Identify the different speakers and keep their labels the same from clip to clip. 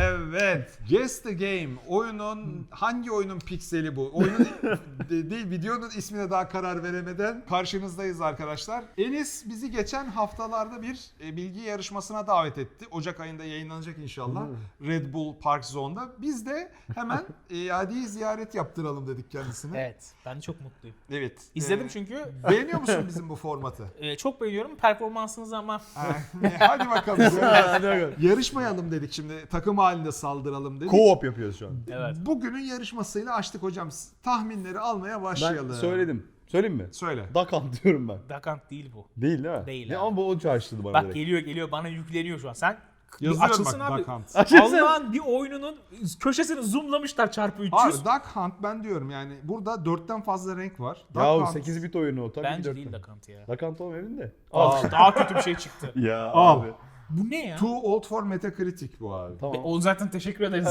Speaker 1: Evet. Guess the Game. Oyunun hangi oyunun pikseli bu? Oyunun değil, videonun ismine daha karar veremeden karşınızdayız arkadaşlar. Enis bizi geçen haftalarda bir bilgi yarışmasına davet etti. Ocak ayında yayınlanacak inşallah. Red Bull Park Zone'da. Biz de hemen iade ziyaret yaptıralım dedik kendisine.
Speaker 2: Evet. Ben çok mutluyum.
Speaker 1: Evet.
Speaker 2: İzledim çünkü.
Speaker 1: Beğeniyor musun bizim bu formatı?
Speaker 2: Çok beğeniyorum performansınızı ama.
Speaker 1: Hadi bakalım. Yarışmayalım dedik şimdi. Takım halinde saldıralım dedik.
Speaker 3: Co-op yapıyoruz şu an.
Speaker 2: Evet.
Speaker 1: Bugünün yarışmasıyla açtık hocam. Tahminleri almaya başlayalım.
Speaker 3: Ben söyledim. Söyleyeyim mi?
Speaker 1: Söyle.
Speaker 3: Duck Hunt diyorum ben.
Speaker 2: Dakant değil bu.
Speaker 3: Değil mi?
Speaker 2: Değil
Speaker 3: Ne,
Speaker 2: abi.
Speaker 3: ama bu o çağrıştırdı bana
Speaker 2: Bak
Speaker 3: direkt.
Speaker 2: geliyor bana yükleniyor şu an. Sen bir
Speaker 1: Yazıyorum
Speaker 2: açılsın
Speaker 1: bak
Speaker 2: abi.
Speaker 1: Duck Hunt.
Speaker 2: Allah'ın bir oyununun köşesini zoomlamışlar çarpı 300.
Speaker 1: Abi Duck Hunt ben diyorum yani burada 4'ten fazla renk var. Duck
Speaker 3: Ya
Speaker 1: Hunt.
Speaker 3: 8 bit oyunu o tabii.
Speaker 2: Bence değil Dakant ya.
Speaker 3: Duck Hunt oğlum evinde.
Speaker 2: Daha kötü bir şey çıktı.
Speaker 3: Ya
Speaker 1: Al.
Speaker 3: abi.
Speaker 2: Bu ne ya?
Speaker 1: Too old for Metacritic bu abi.
Speaker 3: Tamam.
Speaker 2: O zaten teşekkür ederiz.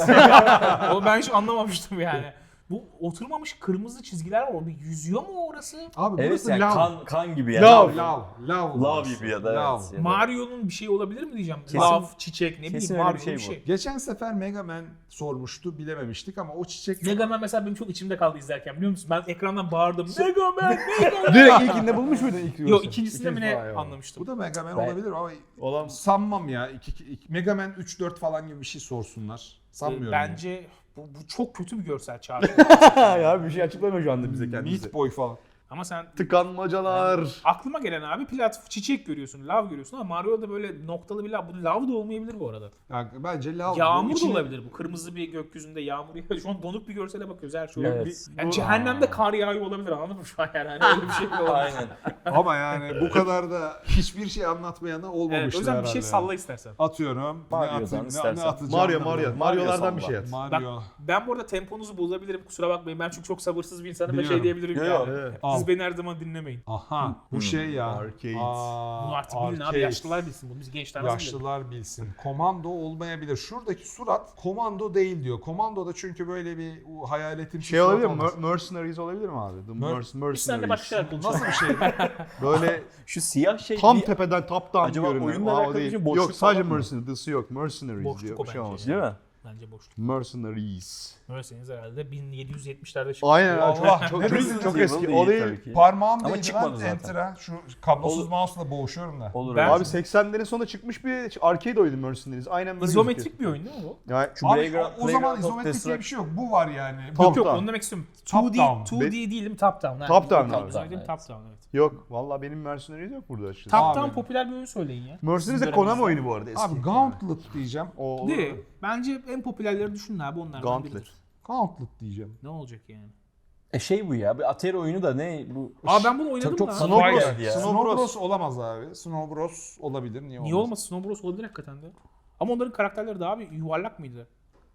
Speaker 2: O ben hiç anlamamıştım yani. Bu oturmamış kırmızı çizgiler var. O bir yüzüyor mu orası?
Speaker 1: Abi
Speaker 4: Evet
Speaker 1: burası
Speaker 4: yani
Speaker 1: lav.
Speaker 4: kan gibi yani.
Speaker 3: Lav.
Speaker 1: Lav
Speaker 4: gibi ya da
Speaker 1: Lav.
Speaker 4: evet.
Speaker 2: Mario'nun bir şey olabilir mi diyeceğim?
Speaker 4: Kesin-
Speaker 2: Lav, çiçek, ne
Speaker 4: kesin
Speaker 2: bileyim
Speaker 4: öyle
Speaker 2: Mario
Speaker 4: bir şey
Speaker 2: bir
Speaker 4: bu.
Speaker 2: şey.
Speaker 1: Geçen sefer Mega Man sormuştu bilememiştik ama o çiçek...
Speaker 2: Mega Man mesela benim çok içimde kaldı izlerken biliyor musun? Ben ekrandan bağırdım. Mega Man, Mega Man.
Speaker 3: Direkt ilkinde bulmuş muydun ilk
Speaker 2: Yok
Speaker 3: yuvası?
Speaker 2: ikincisinde mi
Speaker 3: İkinci
Speaker 2: ne
Speaker 3: falan, ya.
Speaker 2: anlamıştım.
Speaker 1: Bu da Mega Man
Speaker 4: Ben-
Speaker 1: olabilir ama
Speaker 3: Olan
Speaker 1: sanmam ya. Mega Man 3-4 falan gibi bir şey sorsunlar. Sanmıyorum.
Speaker 2: Bence bu çok kötü bir görsel çağrı.
Speaker 3: ya bir şey açıklamıyor şu anda bize kendisi.
Speaker 1: Meat Boy falan.
Speaker 2: Ama sen
Speaker 3: Tıkanmacalar.
Speaker 2: aklıma gelen abi çiçek görüyorsun, lav görüyorsun ama Mario'da böyle noktalı bir lav. Bu lav da olmayabilir bu arada.
Speaker 1: Yani bence lav.
Speaker 2: Yağmur da
Speaker 1: İçine-
Speaker 2: olabilir bu. Kırmızı bir gökyüzünde yağmur yağıyor. Şu an donuk bir görsele bakıyoruz her şey.
Speaker 4: Evet.
Speaker 2: olabilir. Yani cehennemde kar yağıyor olabilir anladın mı şu an yani? Hani öyle bir şey bile olabilir.
Speaker 4: Aynen.
Speaker 1: Ama yani bu kadar da hiçbir şey anlatmayana
Speaker 2: Evet,
Speaker 1: olmamıştır
Speaker 2: o yüzden bir
Speaker 1: herhalde.
Speaker 2: şey salla istersen.
Speaker 1: Atıyorum.
Speaker 4: Mario'dan
Speaker 1: ne atayım, ne
Speaker 4: istersen.
Speaker 1: atacağım
Speaker 3: Mario. Mario'lardan bir şey at.
Speaker 1: Mario.
Speaker 2: Ben bu arada temponuzu bozabilirim kusura bakmayın. Ben çünkü çok sabırsız bir insanım ve
Speaker 1: Biliyorum.
Speaker 2: şey diyebilirim
Speaker 4: Yo,
Speaker 2: yani.
Speaker 4: yo.
Speaker 3: Evet.
Speaker 1: Al.
Speaker 2: Siz beni her zaman dinlemeyin.
Speaker 1: Aha bu şey ya.
Speaker 3: Arcade.
Speaker 2: Bunu artık bilin abi
Speaker 1: arcade.
Speaker 2: yaşlılar bilsin bunu. Biz gençler nasıl bilelim?
Speaker 1: Yaşlılar bilsin. Komando olmayabilir. Şuradaki surat komando değil diyor. Komandoda çünkü böyle bir hayaletin
Speaker 3: Şey olabilir mi? Mercenaries olabilir mi abi? The
Speaker 2: Biz seninle başka şeyler konuşalım.
Speaker 1: Nasıl bir şey?
Speaker 3: Böyle
Speaker 4: Şu siyah şey
Speaker 3: tam
Speaker 4: bir-
Speaker 3: tepeden top down
Speaker 4: Acaba
Speaker 3: görünüyor.
Speaker 4: oyunla
Speaker 3: Aa, o
Speaker 4: alakalı bir
Speaker 3: değil.
Speaker 4: şey, boşluk
Speaker 3: Yok sadece
Speaker 4: falan mı?
Speaker 3: Mercenaries. Dısı yok. Mercenaries
Speaker 2: Boşluk
Speaker 3: diyor.
Speaker 2: o
Speaker 3: Bir şey
Speaker 2: bence.
Speaker 3: olmaz.
Speaker 4: Değil mi?
Speaker 2: Bence boşluk.
Speaker 3: Mercenaries.
Speaker 2: Öyleseniz herhalde 1770'lerde çıktı.
Speaker 3: Aynen
Speaker 1: Allah,
Speaker 3: çok
Speaker 1: ne
Speaker 3: çok,
Speaker 1: Resident
Speaker 3: çok
Speaker 4: Evil
Speaker 3: eski.
Speaker 4: değil
Speaker 3: O değil.
Speaker 4: tabii ki.
Speaker 1: Parmağım
Speaker 4: Ama
Speaker 1: değdi
Speaker 4: çıkmadı
Speaker 1: lan
Speaker 4: zaten.
Speaker 1: enter'a. Şu kablosuz mouse'la boğuşuyorum da.
Speaker 4: Olur.
Speaker 2: Ben-
Speaker 4: öyle.
Speaker 3: Abi 80'lerin sonunda çıkmış bir arcade oyunu Mercenaries. Aynen böyle
Speaker 2: İzometrik
Speaker 3: gözüküyor.
Speaker 2: bir oyun değil mi bu?
Speaker 3: Yani
Speaker 4: Şu
Speaker 1: Abi
Speaker 4: Playground-
Speaker 1: o zaman
Speaker 4: Playground of
Speaker 1: izometrik diye
Speaker 4: Destruction.
Speaker 1: bir şey yok. Bu var yani.
Speaker 3: Top
Speaker 2: Yok
Speaker 3: down.
Speaker 2: onu demek istiyorum.
Speaker 1: Top
Speaker 2: 2D,
Speaker 1: down.
Speaker 2: 2D değil mi? Top down.
Speaker 3: Top down
Speaker 2: Top
Speaker 3: abi.
Speaker 2: down.
Speaker 4: Evet.
Speaker 2: Top down evet.
Speaker 3: Yok. Vallahi benim Mercenaries yok burada açıkçası.
Speaker 2: Top
Speaker 1: Abi.
Speaker 2: down popüler bir oyun söyleyin ya.
Speaker 3: Mercenaries de
Speaker 2: Bizim
Speaker 3: Konami
Speaker 2: dönemimizde.
Speaker 3: oyunu bu arada eski.
Speaker 1: Abi Gauntlet diyeceğim.
Speaker 3: O olur.
Speaker 2: Değil. Bence en popülerleri düşünün abi onlardan
Speaker 3: Gauntlet.
Speaker 2: biridir.
Speaker 1: Gauntlet diyeceğim.
Speaker 2: Ne olacak yani?
Speaker 4: Şey bu ya. Bir Atari oyunu da ne bu?
Speaker 2: Aa ben bunu oynadım
Speaker 4: çok
Speaker 2: lan.
Speaker 4: Snow
Speaker 3: Snow
Speaker 4: Bros.
Speaker 3: Bros.
Speaker 4: geldi ya.
Speaker 1: Snow Bros olamaz abi. Snow Bros olabilir. Niye olmasın?
Speaker 2: Niye olmasın? Snow Bros olabilir hakikaten de. Ama onların karakterleri daha bir yuvarlak mıydı?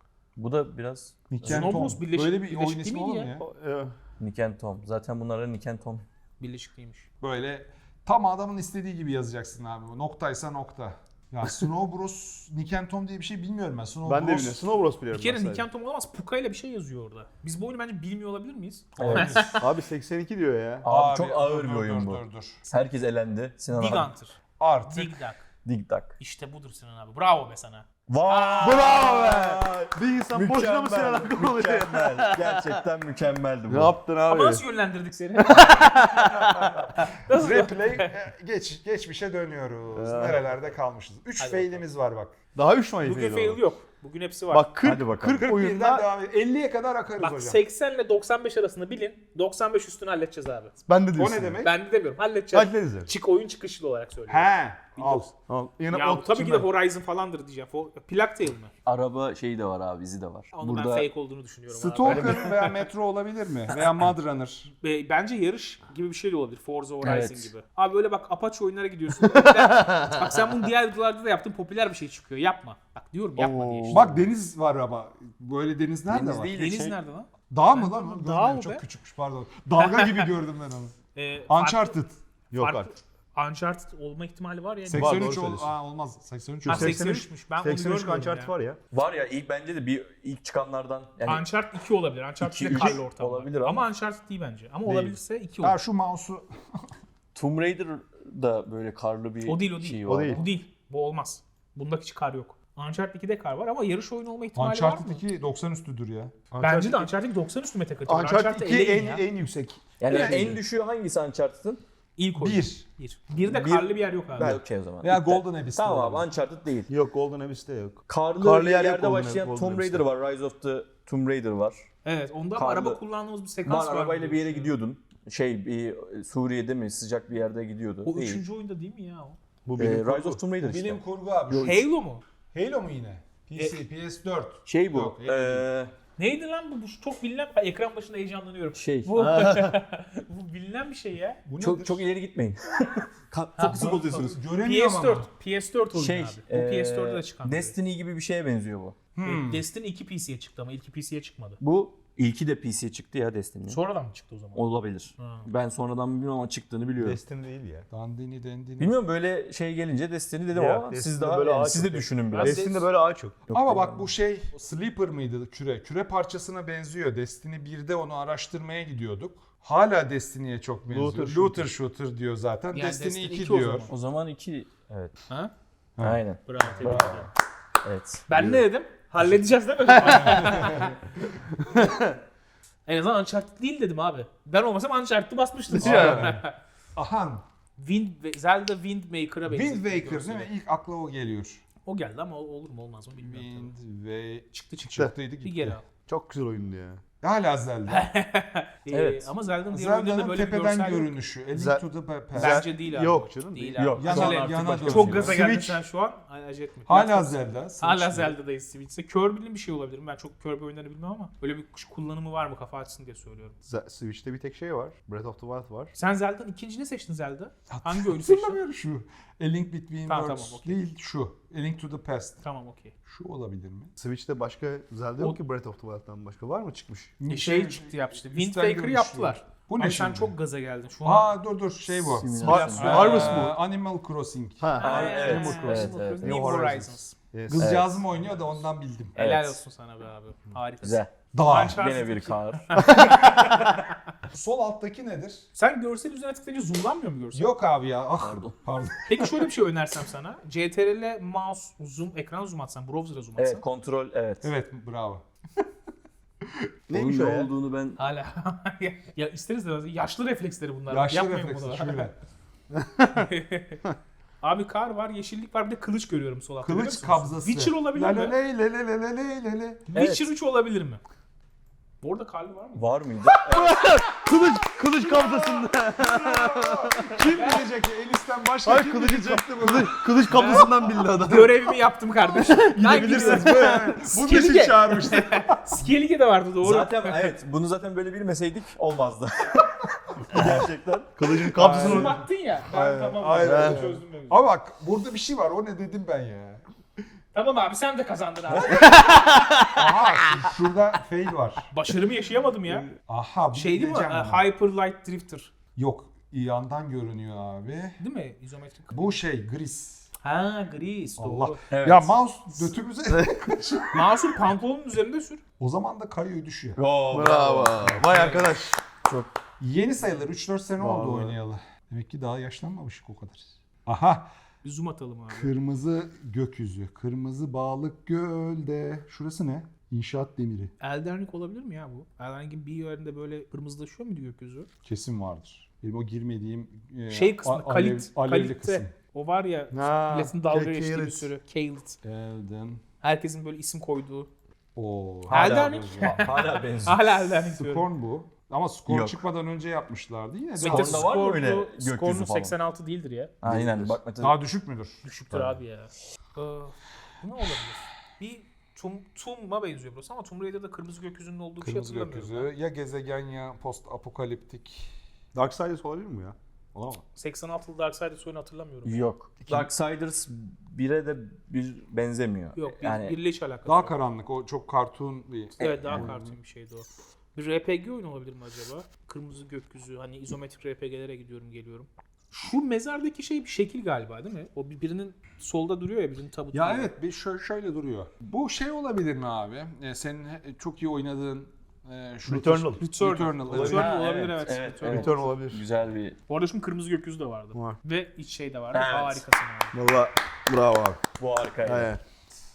Speaker 4: Bu da biraz
Speaker 1: Niken
Speaker 2: Snow
Speaker 1: Tom.
Speaker 2: Bros birleşik-
Speaker 1: Böyle bir
Speaker 2: birleşik
Speaker 1: oyun
Speaker 2: değil
Speaker 1: ismi
Speaker 2: miydi
Speaker 1: olur mu
Speaker 2: ya?
Speaker 1: ya?
Speaker 4: Nick and Tom. Zaten bunlara Nick and Tom.
Speaker 2: Birleşik değilmiş.
Speaker 1: Böyle tam adamın istediği gibi yazacaksın abi. Noktaysa nokta. Ya Snow Bros, Niken Tom diye bir şey bilmiyorum ben. Snow
Speaker 3: Ben de
Speaker 1: Bros.
Speaker 3: biliyorum. Snow Bros biliyorum.
Speaker 2: Bir kere
Speaker 3: ben sadece.
Speaker 2: Nick and Tom olamaz. Puka ile bir şey yazıyor orada. Biz bu oyunu bence bilmiyor olabilir miyiz?
Speaker 4: Evet.
Speaker 3: Abi 82 diyor ya.
Speaker 4: Abi, çok ağır bir oyun bu.
Speaker 1: Dur.
Speaker 4: Herkes elendi. Sinan
Speaker 2: Dig
Speaker 4: abi.
Speaker 2: Hunter.
Speaker 1: Artık
Speaker 2: Dig Dug.
Speaker 4: Dig Dug.
Speaker 2: İşte budur Sinan abi. Bravo be sana.
Speaker 4: Vay!
Speaker 3: Bravo be! Bir insan boşuna mı Sinan Akkoğlu?
Speaker 4: Mükemmel. Gerçekten mükemmeldi bu.
Speaker 3: Ne yaptın abi?
Speaker 2: Ama nasıl yönlendirdik seni? nasıl?
Speaker 1: replay geçmişe dönüyoruz. Nerelerde kalmışız? 3
Speaker 2: Hadi
Speaker 1: fail'imiz var bak.
Speaker 3: Daha 3 Mayıs
Speaker 2: Bugün fail yok. Bugün hepsi var.
Speaker 3: Bak 40,
Speaker 4: Hadi bakalım.
Speaker 3: 40
Speaker 1: Birden
Speaker 3: oyunda
Speaker 1: devam et. 50'ye kadar akarız
Speaker 2: Bak
Speaker 1: hocam.
Speaker 2: 80 ile 95 arasını bilin. 95 üstünü halledeceğiz abi.
Speaker 3: ben de
Speaker 1: O
Speaker 3: diyorsun.
Speaker 1: ne demek?
Speaker 2: Ben de demiyorum. Halledeceğiz.
Speaker 3: Hallederiz yani.
Speaker 2: Oyun çıkışlı olarak söylüyorum.
Speaker 1: He. Al.
Speaker 3: Al. Yine
Speaker 2: Ya
Speaker 3: ot
Speaker 2: tabii ki de
Speaker 3: içinden.
Speaker 2: Horizon falandır diyeceğim. Plague Tale mi?
Speaker 4: Araba şeyi de var abi, izi de var.
Speaker 2: Onu ben
Speaker 4: Burada
Speaker 2: fake olduğunu düşünüyorum abi.
Speaker 1: Stalker veya Metro olabilir mi? Veya Mud Runner.
Speaker 2: Bence yarış gibi bir şey de olabilir. Forza Horizon
Speaker 4: Evet.
Speaker 2: gibi. Abi böyle bak Apache oyunlara gidiyorsun. Bak sen bunu diğer videolarda da yaptın. Popüler bir şey çıkıyor. Yapma. Bak diyorum yapma diye işte.
Speaker 1: Bak deniz var ama. Böyle deniz nerede
Speaker 4: Deniz
Speaker 1: var?
Speaker 4: değil de
Speaker 2: Deniz
Speaker 4: şey-
Speaker 2: nerede lan?
Speaker 1: Dağ mı lan?
Speaker 2: Dağ
Speaker 1: Görmüyorum,
Speaker 2: o
Speaker 1: çok
Speaker 2: be.
Speaker 1: küçükmüş pardon. Dalga gibi gördüm ben onu. Uncharted.
Speaker 3: Yok
Speaker 2: farklı-
Speaker 3: artık.
Speaker 2: Uncharted olma ihtimali var ya.
Speaker 1: 83
Speaker 3: doğru söylüyorsun.
Speaker 1: olmaz. 83
Speaker 2: Ha,
Speaker 1: yok.
Speaker 2: 83'müş. Ben onu
Speaker 3: 83
Speaker 2: görmüyorum
Speaker 3: Uncharted
Speaker 2: ya.
Speaker 3: var ya.
Speaker 4: Var ya ilk bence de bir ilk çıkanlardan yani
Speaker 2: Uncharted 2 olabilir. Uncharted
Speaker 4: İki,
Speaker 2: ile
Speaker 4: üç
Speaker 2: karlı ortam var.
Speaker 4: olabilir ama-
Speaker 2: Uncharted değil bence. Ama
Speaker 3: Değil.
Speaker 2: olabilirse 2
Speaker 1: Ya
Speaker 2: olur.
Speaker 1: şu mouse'u
Speaker 4: Tomb Raider da böyle karlı bir
Speaker 2: O değil o değil.
Speaker 4: şey
Speaker 3: O
Speaker 4: var.
Speaker 3: değil.
Speaker 2: Bu değil. Bu olmaz. Bunda hiç kar yok. Uncharted 2'de kar var ama yarış oyunu olma ihtimali var mı?
Speaker 1: Uncharted 2 90 üstüdür ya.
Speaker 2: Bence de Uncharted 90 üstü metakategori.
Speaker 3: Uncharted 2
Speaker 2: eleyin ya.
Speaker 3: en yüksek.
Speaker 4: Yani
Speaker 1: Evet.
Speaker 4: en düşüğü hangisi Uncharted'ın?
Speaker 2: İlk oyun.
Speaker 1: 1.
Speaker 2: Bir de
Speaker 4: Bir-
Speaker 2: karlı bir yer yok abi.
Speaker 4: Okey o zaman.
Speaker 1: Veya
Speaker 4: İptal.
Speaker 1: Golden Abyss.
Speaker 4: Tamam abi Uncharted değil.
Speaker 3: Yok Golden Abyss'te yok.
Speaker 4: Karlı
Speaker 3: yer yok
Speaker 4: yerde
Speaker 3: Golden-
Speaker 4: başlayan
Speaker 3: Golden
Speaker 4: Tomb Raider
Speaker 3: Abyss'te.
Speaker 4: var. Rise of the Tomb Raider var.
Speaker 2: Evet, onda
Speaker 4: Karlı-
Speaker 2: araba kullandığımız bir sekans var.
Speaker 4: Arabayla bir yere
Speaker 2: biliyorsun.
Speaker 4: gidiyordun. Bir Suriye'de mi sıcak bir yerde gidiyordu.
Speaker 2: O
Speaker 4: Değil.
Speaker 2: üçüncü oyunda değil mi ya o?
Speaker 3: Bu
Speaker 4: Rise of Tomb Raider işte.
Speaker 1: Bilim kurgu abi.
Speaker 2: Halo mu?
Speaker 1: Halo mu yine? PC, PS4.
Speaker 4: Şey bu.
Speaker 1: Yok, Halo değil.
Speaker 2: Neydi lan bu? Bu çok bilinen, ekran başında heyecanlanıyorum.
Speaker 4: Şey.
Speaker 2: Bu, bu bilinen bir şey ya.
Speaker 1: Bu
Speaker 4: Çok
Speaker 1: nedir?
Speaker 4: çok ileri gitmeyin. Fokusu bozuyorsunuz.
Speaker 1: Göremiyorum
Speaker 2: PS4.
Speaker 1: ama.
Speaker 2: PS4 oyunu
Speaker 4: Şey,
Speaker 2: abi. Bu PS4'de de çıkan.
Speaker 4: Destiny gibi bir şeye benziyor bu.
Speaker 2: Destiny 2 PC'ye çıktı ama ilki PC'ye çıkmadı.
Speaker 4: Bu ilki de PC'ye çıktı ya Destiny'nin.
Speaker 2: Sonradan mı çıktı o zaman?
Speaker 4: Olabilir.
Speaker 2: Ha.
Speaker 4: Ben sonradan bilmiyorum ama çıktığını biliyorum.
Speaker 3: Destiny değil ya.
Speaker 1: Dandini dendini.
Speaker 4: Bilmiyorum böyle şey gelince Destiny dedim
Speaker 3: Ya,
Speaker 4: ama siz
Speaker 3: Destiny'de
Speaker 4: daha
Speaker 3: böyle
Speaker 4: yani
Speaker 3: ağaç
Speaker 4: siz de
Speaker 3: yok.
Speaker 4: düşünün biraz.
Speaker 3: Destiny'de böyle ağaç yok.
Speaker 1: Ama bak bu şey Sleeper mıydı küre? Küre parçasına benziyor. Destiny 1'de onu araştırmaya gidiyorduk. Hala Destiny'ye çok benziyor. Looter shooter diyor zaten.
Speaker 2: Yani
Speaker 1: Destiny
Speaker 2: Destiny
Speaker 1: 2
Speaker 2: 2 o
Speaker 1: diyor.
Speaker 2: zaman.
Speaker 4: O zaman iki evet.
Speaker 2: Ha?
Speaker 4: Aynen.
Speaker 2: Bravo, tebrik ederim.
Speaker 4: Evet.
Speaker 2: Ben ne dedim? Halledeceğiz değil mi? En azından Uncharted değil dedim abi. Ben olmasam Uncharted'ı basmıştım.
Speaker 1: Aha.
Speaker 2: Zelda Wind Waker'a benziyor.
Speaker 1: Wind Waker değil mi? İlk akla o geliyor.
Speaker 2: O geldi ama olur mu olmaz mı bilmiyorum.
Speaker 1: Wind ve
Speaker 2: Çıktı.
Speaker 1: çıktıydı
Speaker 2: Bir
Speaker 1: gitti.
Speaker 2: geri al.
Speaker 3: Çok güzel oyundu ya.
Speaker 1: Hala Zelda.
Speaker 4: Evet.
Speaker 2: Ama Zelda'nın diğer oyunlarında
Speaker 1: Zelda'nın
Speaker 2: böyle bir
Speaker 1: tepeden
Speaker 2: görsel yok.
Speaker 1: görünüşü. A Link
Speaker 3: Zel-
Speaker 1: to the Past.
Speaker 2: Bence değil abi.
Speaker 3: Yok canım,
Speaker 2: Değil
Speaker 3: değil.
Speaker 2: abi.
Speaker 4: Yok.
Speaker 1: Yana,
Speaker 4: Sonra
Speaker 1: yana
Speaker 4: artık başka-
Speaker 1: dönüyor.
Speaker 2: Çok gaza geldin
Speaker 3: Switch.
Speaker 2: sen şu an. Acele etme.
Speaker 1: Hala Zelda.
Speaker 2: Hala
Speaker 1: Switch'te.
Speaker 2: Zelda'dayız Switch'te. Kirby'nin bir şey olabilir mi? Ben çok Kirby oyunlarını bilmem ama öyle bir kullanımı var mı kafa açsın diye söylüyorum.
Speaker 3: Switch'te bir tek şey var. Breath of the Wild var.
Speaker 2: Sen Zelda'nın ikinci ne seçtin Zelda? Hangi oyunu seçtin?
Speaker 1: Hatırlamıyorum şu. A Link Between
Speaker 2: Tamam,
Speaker 1: Worlds
Speaker 2: tamam, okey.
Speaker 1: değil şu. A Link to the Past.
Speaker 2: Tamam okey.
Speaker 1: Şu olabilir mi?
Speaker 3: Switch'te başka Zelda yok ki Breath of the Wild'dan başka. Var mı çıkmış?
Speaker 2: Şey çıktı yapmıştı. Wind
Speaker 1: üstten
Speaker 2: Waker'ı
Speaker 1: görünüşlü.
Speaker 2: yaptılar.
Speaker 1: Bu ne
Speaker 2: Ama sen
Speaker 1: şimdi?
Speaker 2: çok gaza geldin. Şu an
Speaker 1: Dur şey bu.
Speaker 4: Simülasyon.
Speaker 3: Harvest Moon.
Speaker 1: Animal Crossing.
Speaker 3: Ha.
Speaker 4: Evet,
Speaker 3: Animal
Speaker 4: evet,
Speaker 3: Crossing.
Speaker 4: evet.
Speaker 2: New
Speaker 3: New
Speaker 2: Horizons.
Speaker 3: Yes.
Speaker 1: Kızcağızım oynuyor da ondan bildim.
Speaker 2: Helal
Speaker 4: Evet.
Speaker 2: olsun sana be abi. Harikasın.
Speaker 4: Güzel.
Speaker 1: Dağ.
Speaker 2: Uncharted
Speaker 4: Gene bir
Speaker 2: 2.
Speaker 4: kar.
Speaker 1: Sol alttaki nedir?
Speaker 2: Sen görsel üzerine tıklayınca zoomlanmıyor mu görsel?
Speaker 1: Yok abi ya. Ah,
Speaker 4: Pardon.
Speaker 1: pardon.
Speaker 2: Peki şöyle bir şey önersem sana. CTRL mouse zoom, ekran zoom atsan, browser'a zoom atsan.
Speaker 4: Evet kontrol evet.
Speaker 1: Evet bravo.
Speaker 3: Neymiş
Speaker 4: Onun
Speaker 3: o
Speaker 4: ne
Speaker 3: ya?
Speaker 4: olduğunu ben
Speaker 2: Hala. ya isteriz de yaşlı refleksleri bunlar.
Speaker 1: Yaşlı
Speaker 2: Yapmayın
Speaker 1: refleksi
Speaker 2: bunu.
Speaker 1: şöyle.
Speaker 2: Abi kar var, yeşillik var, bir de kılıç görüyorum sol altta. Görüyor
Speaker 1: Kılıç
Speaker 2: musunuz?
Speaker 1: kabzası.
Speaker 2: Witcher olabilir
Speaker 1: La
Speaker 2: mi?
Speaker 1: la ley, le le le le le le le.
Speaker 2: Witcher 3 olabilir mi? Bu arada karlı var mı?
Speaker 4: var mıydı?
Speaker 3: Kılıç kabzasında.
Speaker 1: Kim bilecek ya? Elis'ten başka
Speaker 3: Hayır
Speaker 1: kim
Speaker 3: kılıcı
Speaker 1: bilecekti bunu?
Speaker 3: kılıç kabzasından bildi adam.
Speaker 2: Görevimi yaptım kardeşim.
Speaker 1: Gidebilirsiniz böyle. Bunun için
Speaker 2: Skellige.
Speaker 1: çağırmıştım.
Speaker 2: Skellige de vardı doğru.
Speaker 4: Zaten evet bunu zaten böyle bilmeseydik olmazdı. Gerçekten.
Speaker 3: Kılıcın
Speaker 2: Zoom
Speaker 3: kabzasını
Speaker 2: attın ya. Ben
Speaker 1: Aynen,
Speaker 2: tamam.
Speaker 1: aynen.
Speaker 2: Çözdüm ben.
Speaker 1: Ama bak burada bir şey var. O ne dedim ben ya.
Speaker 2: Tamam abi sen de kazandın abi.
Speaker 1: Aha şurada fail var.
Speaker 2: Başarımı yaşayamadım ya.
Speaker 1: Aha bu
Speaker 2: Şey değil mi?
Speaker 1: diyeceğim buna.
Speaker 2: Hyper Light Drifter.
Speaker 1: Yok yandan görünüyor abi.
Speaker 2: Değil mi? İzometrik.
Speaker 1: Bu şey gris.
Speaker 2: Ha gris doğru.
Speaker 1: Allah.
Speaker 4: Evet.
Speaker 1: Ya mouse götümüze.
Speaker 2: Mouse'un pantolonun üzerinde sür.
Speaker 1: O zaman da kayıyor düşüyor.
Speaker 3: Bravo. Vay arkadaş.
Speaker 1: Yeni sayılır. 3-4 sene oldu
Speaker 3: Vallahi.
Speaker 1: oynayalı. Demek ki daha yaşlanmamışık o kadar. Aha.
Speaker 2: Bir zoom atalım abi.
Speaker 1: Kırmızı gökyüzü. Kırmızı balık gölde. Şurası ne? İnşaat demiri.
Speaker 2: Elden Ring olabilir mi ya bu? Elden Ring'in bir yerinde böyle kırmızılaşıyor muydu gökyüzü?
Speaker 1: Kesin vardır. Benim o girmediğim
Speaker 2: Şey kısmı,
Speaker 1: alevli
Speaker 2: Kalit'te.
Speaker 1: kısım.
Speaker 2: O var ya,
Speaker 3: Ha,
Speaker 2: milletin dalga geçtiği bir
Speaker 3: Kalit.
Speaker 2: sürü. Kalit.
Speaker 1: Elden.
Speaker 2: Herkesin böyle isim koyduğu.
Speaker 1: Oo.
Speaker 2: Elden Ring.
Speaker 4: Hala benziyor.
Speaker 2: Hala Elden Ring diyorum.
Speaker 1: Scorn bu. Ama Scorn
Speaker 4: Yok.
Speaker 1: çıkmadan önce yapmışlardı. Yine de
Speaker 2: Peki
Speaker 4: Scorn'da var mı öyle
Speaker 2: Scorn'u-
Speaker 4: gökyüzü
Speaker 2: Scorn'un
Speaker 4: falan?
Speaker 2: 86 değildir ya.
Speaker 4: Aynen bak mesela.
Speaker 1: daha düşük müdür?
Speaker 2: Düşüktür abi ya. Bu ne olabilir? Bir Tom'a benziyor burası ama Tomb Raider'da kırmızı gökyüzünün olduğu bir şey
Speaker 1: Kırmızı
Speaker 2: hatırlamıyorum.
Speaker 1: gökyüzü. Ya gezegen ya post apokaliptik.
Speaker 3: Darksiders olabilir mi ya? Olamaz.
Speaker 2: 86'lı Darksiders oyunu hatırlamıyorum.
Speaker 4: Yok. Darksiders 1'e de bir benzemiyor.
Speaker 2: Yok,
Speaker 4: yani
Speaker 2: birle hiç alakası
Speaker 1: Daha
Speaker 2: yok.
Speaker 1: karanlık. O çok kartun bir.
Speaker 2: Evet daha kartun bir şeydi o. Bir RPG oyunu olabilir mi acaba? Kırmızı gökyüzü, hani izometrik RPG'lere gidiyorum geliyorum. Şu mezardaki şey bir şekil galiba değil mi? O birinin solda duruyor ya, birinin tabutu.
Speaker 1: Ya evet bir şöyle duruyor. Bu şey olabilir mi abi? Senin çok iyi oynadığın şu
Speaker 3: Returnal.
Speaker 1: Returnal. Evet.
Speaker 2: Returnal
Speaker 4: Ha,
Speaker 2: olabilir
Speaker 4: evet,
Speaker 2: evet.
Speaker 4: evet,
Speaker 2: Returnal.
Speaker 4: evet.
Speaker 3: Return olabilir.
Speaker 4: güzel bir
Speaker 2: Bu arada şimdi kırmızı gökyüzü de vardı.
Speaker 3: Var.
Speaker 2: Ve iç şey de vardı.
Speaker 4: Evet.
Speaker 2: Harikasın abi.
Speaker 3: Valla bravo abi.
Speaker 4: bu harikaydı.
Speaker 3: Evet.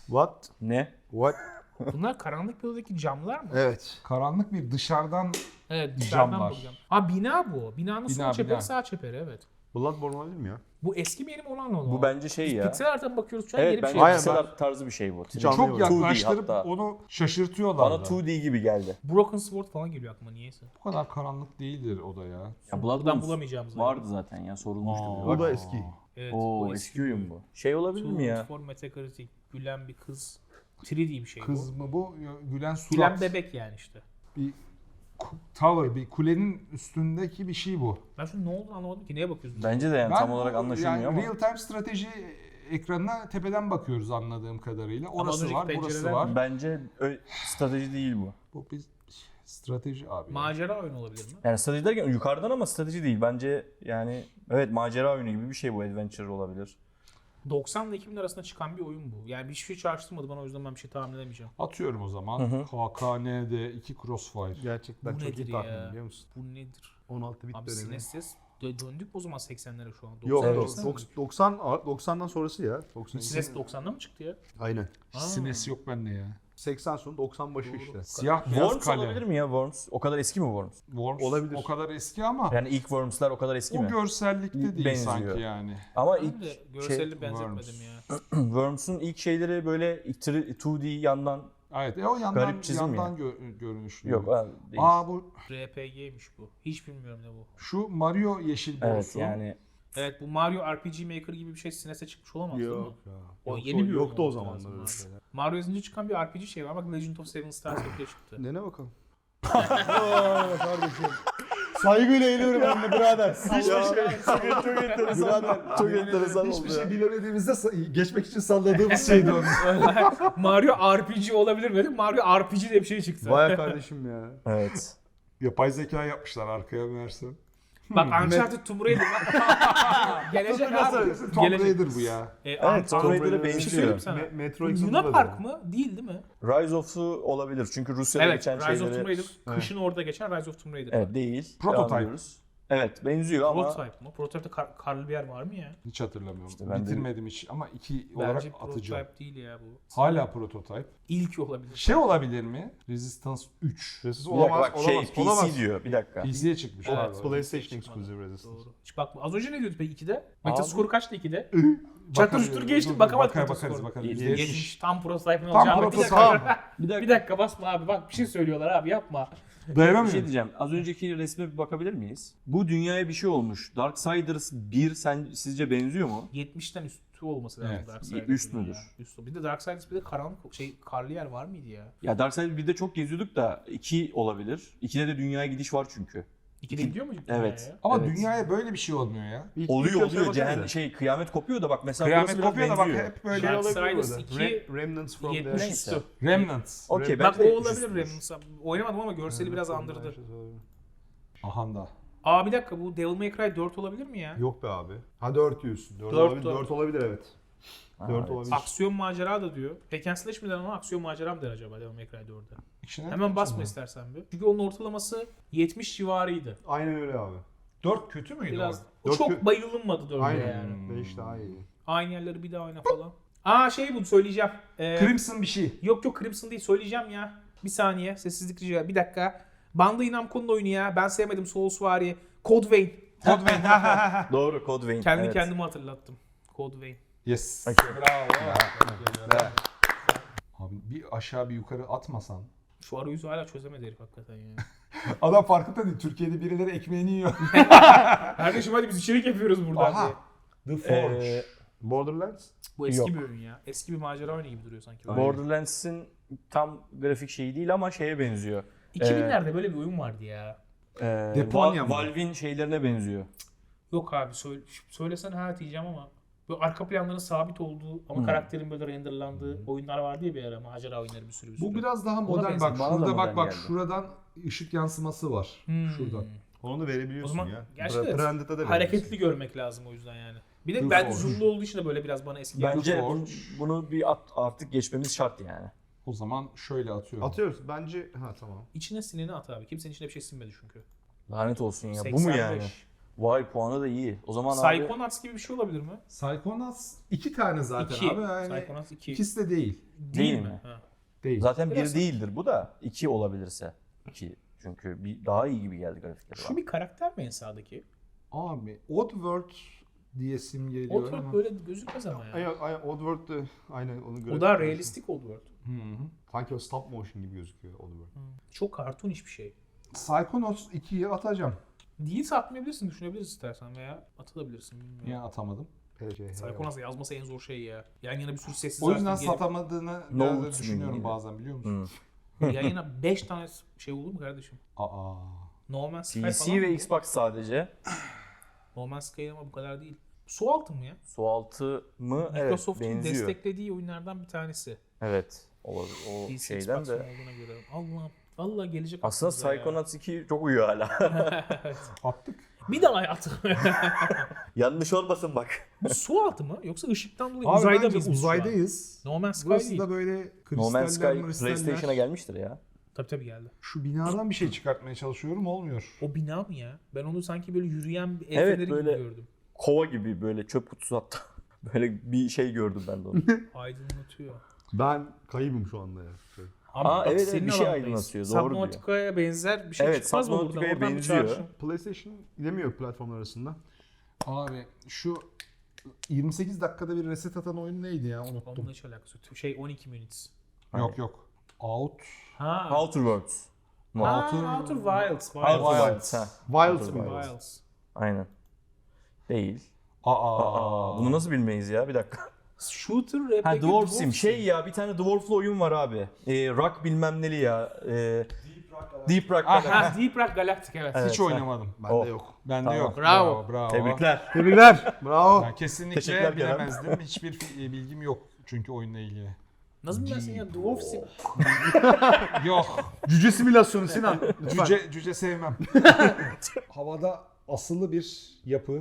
Speaker 3: What?
Speaker 4: Ne?
Speaker 3: What?
Speaker 2: Bunlar karanlık bir odadaki camlar mı?
Speaker 3: Evet.
Speaker 1: Karanlık bir dışarıdan
Speaker 2: Evet, dışarıdan
Speaker 1: Camlar.
Speaker 2: bakacağım. Ha bina bu. Binanın sol
Speaker 1: Bina,
Speaker 2: çeperi,
Speaker 1: bina.
Speaker 2: sağ çeperi, evet.
Speaker 3: Bloodborne olabilir mi ya?
Speaker 2: Bu eski mi yeni mi olan o?
Speaker 4: Bu bence şey ya.
Speaker 2: Pixel art'tan bakıyoruz şu an,
Speaker 4: Evet
Speaker 2: yeni bir
Speaker 4: bence
Speaker 2: şey.
Speaker 3: Aynen,
Speaker 4: pixel art tarzı bir şey bu.
Speaker 3: Hiç
Speaker 1: çok
Speaker 3: anlayamadım.
Speaker 4: 2D
Speaker 1: yaklaştırıp
Speaker 4: hatta.
Speaker 1: onu şaşırtıyorlar
Speaker 4: Bana
Speaker 1: da.
Speaker 4: 2D gibi geldi.
Speaker 2: Broken Sword falan geliyor aklıma niyeyse.
Speaker 1: Bu kadar karanlık değildir o da ya.
Speaker 4: Ya
Speaker 2: Buradan
Speaker 4: Bloodborne
Speaker 2: bulamayacağımız.
Speaker 4: vardı zaten ya sorulmuştu.
Speaker 1: Aa.
Speaker 4: bile.
Speaker 3: O
Speaker 4: Bak.
Speaker 3: da eski.
Speaker 2: Evet,
Speaker 4: Oo
Speaker 2: o
Speaker 4: eski oyun bu. Şey olabilir mi ya?
Speaker 2: For Metacritic, gülen bir kız. 3D bir şey
Speaker 1: Kız
Speaker 2: bu.
Speaker 1: mı bu? Gülen surat.
Speaker 2: Gülen bebek yani işte.
Speaker 1: Bir tower, bir kulenin üstündeki bir şey bu.
Speaker 2: Ben şu ne olduğunu anlamadım ki, neye bakıyorsun?
Speaker 4: Bence de yani tam olarak anlaşılmıyor
Speaker 1: yani
Speaker 4: ama.
Speaker 1: real time strateji ekranına tepeden bakıyoruz anladığım kadarıyla. Orası
Speaker 2: önceki
Speaker 1: var, burası
Speaker 2: pencereler
Speaker 1: var.
Speaker 4: Bence strateji değil bu.
Speaker 1: Bu bir strateji abi.
Speaker 2: Macera oyunu olabilir mi?
Speaker 4: Yani strateji derken yukarıdan ama strateji değil. Bence yani evet macera oyunu gibi bir şey bu. Adventure olabilir.
Speaker 2: 90 ile 2000 arasında çıkan bir oyun bu. Yani hiçbir şey çağrıştırmadı bana, o yüzden ben bir şey tahmin edemeyeceğim.
Speaker 1: Atıyorum o zaman.
Speaker 4: Hı hı.
Speaker 1: HKN'de 2 Crossfire.
Speaker 3: Gerçekten
Speaker 2: Bu
Speaker 3: çok
Speaker 2: nedir
Speaker 3: iyi tahmin
Speaker 2: ya?
Speaker 3: biliyor musun?
Speaker 2: Bu nedir?
Speaker 3: 16 bit
Speaker 2: Abi
Speaker 3: dönemi.
Speaker 2: SNES döndük mü o zaman 80'lere şu an?
Speaker 3: Yok,
Speaker 2: 90'lara
Speaker 4: Evet.
Speaker 2: baksana.
Speaker 3: 90'dan sonrası ya. 90.
Speaker 2: SNES 90'da mı çıktı ya?
Speaker 3: Aynen.
Speaker 2: Aa.
Speaker 1: SNES yok bende ya.
Speaker 3: 80 sonu 90 başı
Speaker 2: Doğru.
Speaker 3: işte.
Speaker 1: Siyah beyaz
Speaker 4: Worms
Speaker 1: kale.
Speaker 4: olabilir mi ya Worms? O kadar eski mi Worms?
Speaker 1: Worms
Speaker 3: Olabilir.
Speaker 1: o kadar eski ama
Speaker 4: Yani ilk Worms'lar o kadar eski
Speaker 1: o
Speaker 4: mi?
Speaker 1: görsellikte değil
Speaker 4: Benziyor.
Speaker 1: sanki yani.
Speaker 4: Ama
Speaker 2: Ben
Speaker 4: ilk
Speaker 2: de görselini benzetmedim
Speaker 1: Worms.
Speaker 2: ya.
Speaker 4: Worms'un ilk şeyleri böyle 2D yandan
Speaker 1: Evet, o yandan
Speaker 4: Garip çizim
Speaker 1: yandan görünüşlü.
Speaker 4: yok ha, değil.
Speaker 1: Aa bu
Speaker 2: RPG'ymiş bu. Hiç bilmiyorum ne bu.
Speaker 1: şu Mario yeşil borusu.
Speaker 4: Evet yani
Speaker 2: Evet, bu Mario RPG Maker gibi bir şey SNES'e çıkmış olamaz değil mi?
Speaker 3: Yok ya.
Speaker 2: O
Speaker 3: Yoktu-
Speaker 2: yeni bir oyun
Speaker 3: Yoktu o
Speaker 2: olması
Speaker 3: zamanlar
Speaker 2: lazım
Speaker 3: öyle
Speaker 2: abi.
Speaker 3: şeyler.
Speaker 2: Mario yazınca çıkan bir RPG şey var. Bak Legend of Seven Stars ortaya çıktı.
Speaker 3: Dene bakalım. Kardeşim. Saygıyla eğiliyorum ben de birader.
Speaker 4: çok enteresan. Çok enteresan oldu ya.
Speaker 1: bilemediğimizde geçmek için salladığımız şeydi onun.
Speaker 2: Mario RPG olabilir mi dedim. Mario RPG diye bir şey çıktı.
Speaker 3: Vay kardeşim ya.
Speaker 4: Evet.
Speaker 1: Yapay zeka yapmışlar arkaya meğerse.
Speaker 2: Bak Uncharted Tomb Raider. Gelecek abi.
Speaker 1: Tomb
Speaker 2: Gelecek.
Speaker 1: Raider bu ya.
Speaker 4: Evet, Tomb Raider'a
Speaker 2: Bir şey söyleyeyim
Speaker 4: benziyor.
Speaker 2: sana.
Speaker 3: Metro
Speaker 2: Bu
Speaker 3: Exodus'da
Speaker 2: Luna
Speaker 3: da
Speaker 2: Park
Speaker 3: öyle.
Speaker 2: mı? Değil mi?
Speaker 4: Rise of'u olabilir çünkü Rusya'da
Speaker 2: Evet,
Speaker 4: geçen
Speaker 2: Rise of
Speaker 4: şeyleri...
Speaker 2: Tomb Raider. Kışın orada geçen Rise of Tomb Raider.
Speaker 4: Evet değil.
Speaker 1: Prototype.
Speaker 4: Devam ediyoruz. Evet benziyor ama
Speaker 2: Prototype mı? Prototype'de karlı bir yer var mı ya?
Speaker 1: Hiç hatırlamıyorum.
Speaker 4: İşte ben de-
Speaker 1: Bitirmedim hiç ama 2 olarak
Speaker 2: Bence
Speaker 1: atacağım.
Speaker 2: prototype değil ya bu.
Speaker 1: Hala prototype.
Speaker 2: İlk olabilir.
Speaker 1: Şey olabilir mi? Resistance 3.
Speaker 3: Resistance
Speaker 4: bir dakika
Speaker 3: olamaz,
Speaker 4: bak şey
Speaker 3: olamaz,
Speaker 4: PC
Speaker 3: olamaz.
Speaker 4: diyor bir dakika.
Speaker 1: PC'ye çıkmış.
Speaker 2: Evet,
Speaker 1: pardon.
Speaker 3: PlayStation
Speaker 2: Çıkmadı.
Speaker 3: exclusive Resistance.
Speaker 2: Doğru. Hiç bakma. Az önce ne diyordu peki 2'de?
Speaker 4: Abi-
Speaker 2: Metaskoru kaçtı 2'de?
Speaker 1: Bakarız.
Speaker 2: Çatır çutur geçtik,
Speaker 1: Dur,
Speaker 2: bakamadık
Speaker 1: bakarız,
Speaker 2: Metaskoru.
Speaker 1: bakarız.
Speaker 4: İyi,
Speaker 1: %70.
Speaker 2: Geçmiş. Tam prototype'ın
Speaker 1: Tam
Speaker 2: olacağı. Bir
Speaker 1: prototype.
Speaker 2: dakika.
Speaker 4: Bir dakika.
Speaker 2: Bir dakika basma abi, bak bir şey söylüyorlar abi, yapma.
Speaker 4: Bir şey
Speaker 1: Dayanamıyorum.
Speaker 4: diyeceğim. Az önceki resme bir bakabilir miyiz? Bu dünyaya bir şey olmuş. Darksiders 1 sizce benziyor mu?
Speaker 2: 70'ten üstü olması lazım
Speaker 1: Evet.
Speaker 2: Darksiders.
Speaker 4: Üst müdür?
Speaker 2: Ya. Üst. Bir de Darksiders bir de karanlık karlı yer var mıydı ya?
Speaker 4: Ya Darksiders 1'de çok geziyorduk da 2 olabilir. 2'de de dünyaya gidiş var çünkü.
Speaker 2: 2'de gidiyor mu
Speaker 4: Evet.
Speaker 2: dünyaya?
Speaker 1: Ama
Speaker 4: Evet.
Speaker 1: dünyaya böyle bir şey olmuyor ya.
Speaker 4: Oluyor. Kıyamet kopuyor da bak mesela
Speaker 1: Kıyamet
Speaker 4: burası biraz
Speaker 1: kopuyor da bak
Speaker 4: benziyor.
Speaker 1: hep böyle.
Speaker 3: Şey olabilir
Speaker 2: Darksiders
Speaker 3: burada.
Speaker 2: 2
Speaker 3: Remnants from
Speaker 2: 70
Speaker 3: the...
Speaker 2: üstü.
Speaker 1: Remnants.
Speaker 4: Okey
Speaker 2: Bak
Speaker 4: bence
Speaker 2: o olabilir
Speaker 4: üstüdür.
Speaker 2: Remnants'a. Oynamadım ama görseli biraz andırdı.
Speaker 1: Ahanda.
Speaker 2: Aa bir dakika, bu Devil May Cry 4 olabilir mi ya?
Speaker 3: Yok be abi. Ha 4 diyorsun. 4
Speaker 2: Dört,
Speaker 3: olabilir,
Speaker 2: dört.
Speaker 3: 4 olabilir evet.
Speaker 4: Ha,
Speaker 3: 4
Speaker 4: evet.
Speaker 3: olabilir.
Speaker 2: Aksiyon macera da diyor. Hack and Slash mi der ama aksiyon macera mı der acaba Devil May Cry 4'e?
Speaker 1: İçine
Speaker 2: Hemen basma istersen bir. Çünkü onun ortalaması 70 civarıydı.
Speaker 3: Aynen öyle abi.
Speaker 1: 4 kötü müydü
Speaker 2: Biraz
Speaker 1: o?
Speaker 3: Dört
Speaker 2: çok
Speaker 3: kö-
Speaker 2: bayılınmadı 4'e
Speaker 3: Aynen.
Speaker 2: yani.
Speaker 3: 5 daha iyi.
Speaker 2: Aynı yerleri bir daha oyna falan. Aa şey bu söyleyeceğim.
Speaker 1: Crimson bir şey.
Speaker 2: Yok Crimson değil, söyleyeceğim ya. Bir saniye sessizlik rica. Bir dakika. Bandai Namco'nun oyunu ya. Ben sevmedim Soulsvari. Code Vein.
Speaker 1: Code Vein.
Speaker 4: Doğru Code Vein.
Speaker 2: Kendi
Speaker 4: evet.
Speaker 2: kendime hatırlattım. Code Vein.
Speaker 1: Yes.
Speaker 4: Okey.
Speaker 1: Bravo. Abi bir aşağı bir yukarı atmasan.
Speaker 2: Şu arayüzü hala çözemedi herif hakikaten ya.
Speaker 1: Adam farkında değil. Türkiye'de birileri ekmeğini yiyor.
Speaker 2: Kardeşim hadi biz içerik yapıyoruz buradan
Speaker 1: Aha.
Speaker 2: diye.
Speaker 1: The Forge.
Speaker 3: Borderlands?
Speaker 2: Bu eski
Speaker 4: Yok.
Speaker 2: bir oyun ya. Eski bir macera oyunu gibi duruyor sanki.
Speaker 4: Borderlands'in tam grafik şeyi değil ama şeye benziyor.
Speaker 2: 2000'lerde böyle bir oyun vardı ya.
Speaker 1: Deponya mı?
Speaker 4: Valve'in şeylerine benziyor.
Speaker 2: Yok abi söylesen ha diyeceğim ama böyle arka planların sabit olduğu ama karakterin böyle renderlandığı oyunlar vardı ya bir ara, macera oyunları bir sürü.
Speaker 1: Bu biraz daha
Speaker 2: Ona
Speaker 1: modern.
Speaker 2: benziyor.
Speaker 1: Bak
Speaker 4: Bana da
Speaker 1: şurada
Speaker 4: modern
Speaker 1: bak
Speaker 4: geldi.
Speaker 1: şuradan ışık yansıması var. Şuradan.
Speaker 3: Onu da verebiliyorsun
Speaker 2: O zaman
Speaker 3: ya.
Speaker 2: gerçekten
Speaker 3: Branded'da da
Speaker 2: hareketli görmek lazım o yüzden yani. Bir de
Speaker 1: The
Speaker 2: bence
Speaker 1: Forge.
Speaker 2: zoomlu olduğu için de böyle biraz bana eski geldi.
Speaker 4: Bence
Speaker 1: Forge.
Speaker 4: bunu bir artık geçmemiz şart yani.
Speaker 1: O zaman şöyle atıyorum.
Speaker 3: Atıyoruz. Bence ha tamam.
Speaker 2: İçine sineni at abi. Kimsenin içine bir şey sinmedi çünkü.
Speaker 4: Lanet olsun ya. Bu mu
Speaker 2: 85.
Speaker 4: yani? Vay puanı da iyi. O zaman abi
Speaker 2: Psychonauts gibi bir şey olabilir mi?
Speaker 1: Psychonauts 2 tane zaten
Speaker 2: 2.
Speaker 1: abi. Yani
Speaker 2: Psychonauts 2.
Speaker 1: ikisi de değil.
Speaker 4: değil mi?
Speaker 2: Ha.
Speaker 1: Değil.
Speaker 4: Zaten
Speaker 2: Biraz-
Speaker 4: 1 değildir bu da 2 olabilirse. 2 çünkü bir daha iyi gibi geldi grafikleri.
Speaker 2: Şu bir karakter mi en sağdaki?
Speaker 1: Abi Oddworld diyesim geliyor
Speaker 2: Oddworld
Speaker 1: ama.
Speaker 2: böyle gözükmez ama ya.
Speaker 3: Aynen Oddworld'de aynen onu
Speaker 2: O
Speaker 3: göre.
Speaker 2: daha realistik Oddworld.
Speaker 1: Hı hı.
Speaker 3: Sanki o stop motion gibi gözüküyor Oddworld.
Speaker 2: Çok cartoonish bir şey.
Speaker 1: Psychonauts 2'yi atacağım.
Speaker 2: Değilse atmayabilirsin, düşünebiliriz istersen veya atabilirsin bilmiyorum.
Speaker 1: Ya atamadım.
Speaker 2: Psychonauts'ı yazması en zor şey ya. Yan yana bir sürü sessiz
Speaker 1: O yüzden
Speaker 2: harfin gelip
Speaker 1: satamadığını
Speaker 4: No
Speaker 1: biraz da
Speaker 4: Roots
Speaker 1: düşünüyorum
Speaker 4: miydi?
Speaker 1: bazen biliyor musun?
Speaker 4: Hı.
Speaker 2: yan yana 5 tane şey olur mu kardeşim?
Speaker 1: Aa.
Speaker 2: No Man's Sky
Speaker 4: PC
Speaker 2: falan
Speaker 4: ve
Speaker 2: mı?
Speaker 4: Xbox sadece.
Speaker 2: No Man's Sky ama bu kadar değil. Su altı mı ya?
Speaker 4: Sualtı mı? Evet,
Speaker 2: Microsoft'un
Speaker 4: benziyor.
Speaker 2: desteklediği oyunlardan bir tanesi.
Speaker 4: Evet. O
Speaker 2: PC,
Speaker 4: şeyden
Speaker 2: Xbox
Speaker 4: de.
Speaker 2: olduğuna göre. Allah'ım. Vallahi gelecek
Speaker 4: Aslında
Speaker 2: aklımıza ya.
Speaker 4: Psychonauts 2 çok uyuyor hala.
Speaker 1: Attık.
Speaker 2: Bir daha hayatım.
Speaker 4: Yanlış olmasın bak.
Speaker 2: Bu su altı mı? Yoksa ışıktan dolayı
Speaker 1: Abi
Speaker 2: uzayda
Speaker 1: bence
Speaker 2: mıyız biz şu an?
Speaker 1: uzaydayız.
Speaker 2: No Man's Sky
Speaker 1: Burası
Speaker 2: değil.
Speaker 1: da böyle
Speaker 4: No Man's Sky
Speaker 1: kristaller, kristaller.
Speaker 4: PlayStation'a gelmiştir ya.
Speaker 2: Tabii geldi.
Speaker 1: Şu binadan bir şey çıkartmaya çalışıyorum olmuyor.
Speaker 2: O bina mı ya? Ben onu sanki böyle yürüyen bir el
Speaker 4: Evet,
Speaker 2: feneri
Speaker 4: böyle-
Speaker 2: gibi gördüm.
Speaker 4: Kova gibi böyle çöp kutusu hatta. Böyle bir şey gördüm ben de onu.
Speaker 2: Aydınlatıyor.
Speaker 3: Ben kaybım şu anda ya.
Speaker 2: Abi
Speaker 4: Aa,
Speaker 2: bak
Speaker 4: evet,
Speaker 2: senin
Speaker 4: bir şey
Speaker 2: alandayız.
Speaker 4: aydınlatıyor, doğru diyor.
Speaker 2: Subnautica'ya benzer bir şey
Speaker 4: Evet,
Speaker 2: çıkmaz mı buradan?
Speaker 4: Subnautica'ya
Speaker 2: Oradan bir
Speaker 4: benziyor.
Speaker 2: çağrışım.
Speaker 3: PlayStation gidemiyor platformlar arasında.
Speaker 1: Abi şu 28 dakikada bir reset atan oyun neydi ya unuttum.
Speaker 2: Onunla hiç alakası yok. Şey 12 minutes.
Speaker 1: Yok yok. Out.
Speaker 2: Ha.
Speaker 4: Outer Worlds.
Speaker 2: Outer Wilds.
Speaker 4: Outer Wilds. Ha.
Speaker 3: Wilds
Speaker 4: Outer
Speaker 3: mı?
Speaker 4: Wilds.
Speaker 2: Wilds.
Speaker 4: Aynen. Değil.
Speaker 1: Aa.
Speaker 4: Bunu nasıl bilmeyiz ya? Bir dakika.
Speaker 2: Shooter RPG.
Speaker 4: Ha Dwarf Sim. Şey ya bir tane Dwarf'lu oyun var abi. Rock bilmem neli ya. Deep Rock.
Speaker 2: Ha, Deep Rock Galactic evet.
Speaker 1: Hiç oynamadım.
Speaker 3: Bende
Speaker 4: Oh.
Speaker 3: yok.
Speaker 1: Bende
Speaker 4: Tamam.
Speaker 1: yok.
Speaker 2: Bravo.
Speaker 1: Bravo.
Speaker 4: Tebrikler.
Speaker 3: Tebrikler. Bravo.
Speaker 1: Ben kesinlikle
Speaker 4: Teşekkürler Kerem.
Speaker 1: bilemezdim. Hiçbir bilgim yok çünkü oyunla ilgili.
Speaker 2: Nasıl bilmezsin ya? Dwarf Sim.
Speaker 1: Yok.
Speaker 3: Cüce simülasyonu Sinan. Lütfen.
Speaker 1: Cüce sevmem. Havada asılı bir yapı.